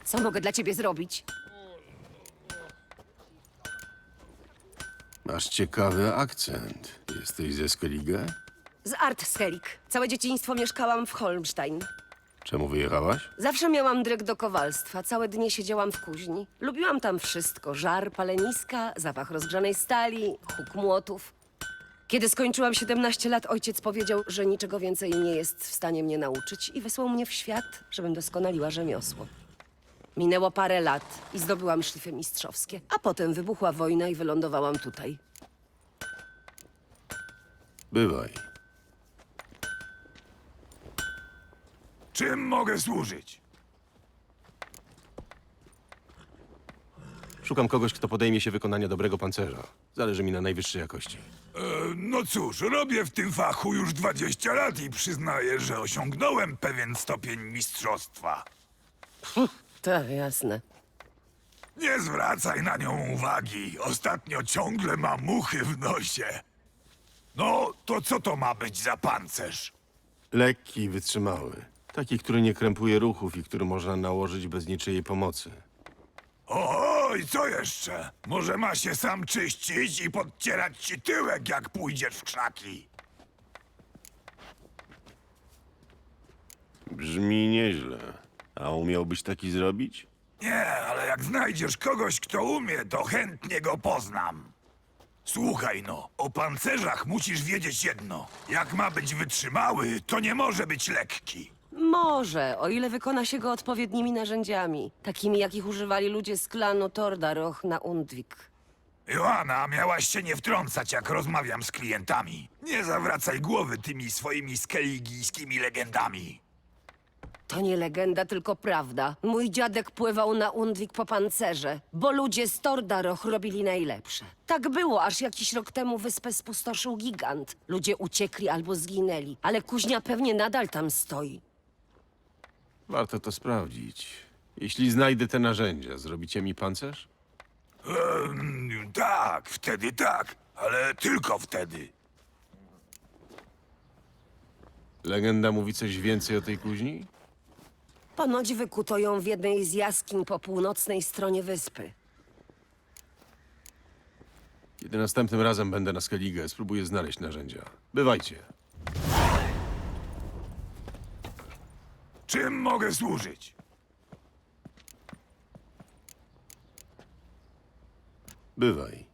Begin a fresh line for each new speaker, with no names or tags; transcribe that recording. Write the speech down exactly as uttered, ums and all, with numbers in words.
Co mogę dla ciebie zrobić?
Masz ciekawy akcent. Jesteś ze Skellige?
Z Artskelik. Całe dzieciństwo mieszkałam w Holmstein.
Czemu wyjechałaś?
Zawsze miałam dryg do kowalstwa. Całe dnie siedziałam w kuźni. Lubiłam tam wszystko. Żar, paleniska, zapach rozgrzanej stali, huk młotów. Kiedy skończyłam siedemnaście lat, ojciec powiedział, że niczego więcej nie jest w stanie mnie nauczyć i wysłał mnie w świat, żebym doskonaliła rzemiosło. Minęło parę lat i zdobyłam szlify mistrzowskie, a potem wybuchła wojna i wylądowałam tutaj.
Bywaj.
Czym mogę służyć?
Szukam kogoś, kto podejmie się wykonania dobrego pancerza. Zależy mi na najwyższej jakości.
E, no cóż, robię w tym fachu już dwadzieścia lat i przyznaję, że osiągnąłem pewien stopień mistrzostwa.
Tak, jasne.
Nie zwracaj na nią uwagi. Ostatnio ciągle ma muchy w nosie. No, to co to ma być za pancerz?
Lekki i wytrzymały. Taki, który nie krępuje ruchów i który można nałożyć bez niczyjej pomocy.
Oj, co jeszcze? Może ma się sam czyścić i podcierać ci tyłek, jak pójdziesz w krzaki.
Brzmi nieźle. A umiałbyś taki zrobić?
Nie, ale jak znajdziesz kogoś, kto umie, to chętnie go poznam. Słuchaj no, o pancerzach musisz wiedzieć jedno. Jak ma być wytrzymały, to nie może być lekki.
Może, o ile wykona się go odpowiednimi narzędziami, takimi jakich używali ludzie z klanu Tordaroch na Undvik.
Joanna, miałaś się nie wtrącać, jak rozmawiam z klientami. Nie zawracaj głowy tymi swoimi skeligijskimi legendami.
To nie legenda, tylko prawda. Mój dziadek pływał na Undvik po pancerze, bo ludzie z Tordaroch robili najlepsze. Tak było, aż jakiś rok temu wyspę spustoszył gigant. Ludzie uciekli albo zginęli, ale kuźnia pewnie nadal tam stoi.
Warto to sprawdzić. Jeśli znajdę te narzędzia, zrobicie mi pancerz?
Ehm, tak, wtedy tak, ale tylko wtedy.
Legenda mówi coś więcej o tej kuźni?
Ponoć wykuto ją w jednej z jaskiń po północnej stronie wyspy.
Kiedy następnym razem będę na Skellige, spróbuję znaleźć narzędzia. Bywajcie.
Czym mogę służyć?
Bywaj.